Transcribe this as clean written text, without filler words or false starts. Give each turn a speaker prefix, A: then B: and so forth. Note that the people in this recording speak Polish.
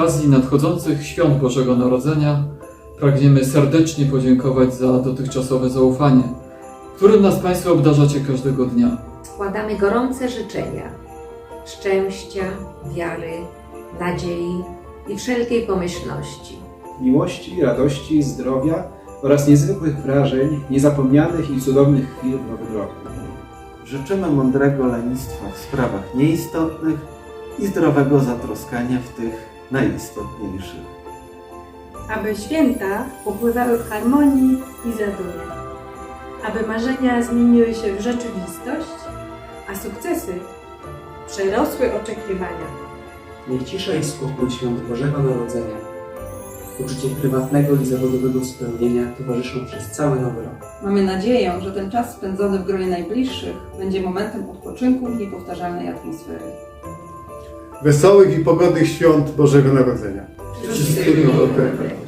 A: okazji nadchodzących świąt Bożego Narodzenia pragniemy serdecznie podziękować za dotychczasowe zaufanie, którym nas Państwo obdarzacie każdego dnia.
B: Składamy gorące życzenia szczęścia, wiary, nadziei i wszelkiej pomyślności.
C: Miłości, radości, zdrowia oraz niezwykłych wrażeń, niezapomnianych i cudownych chwil w Nowym Roku.
D: Życzymy mądrego lenistwa w sprawach nieistotnych i zdrowego zatroskania w tych najistotniejszych.
E: Aby święta upływały w harmonii i zadumie, aby marzenia zmieniły się w rzeczywistość, a sukcesy przerosły oczekiwania.
F: Niech cisza i spokój świąt Bożego Narodzenia, uczucie prywatnego i zawodowego spełnienia towarzyszą przez cały Nowy Rok.
G: Mamy nadzieję, że ten czas spędzony w gronie najbliższych będzie momentem odpoczynku i niepowtarzalnej atmosfery.
H: Wesołych i pogodnych świąt Bożego Narodzenia.
A: Wszystkiego dobrego.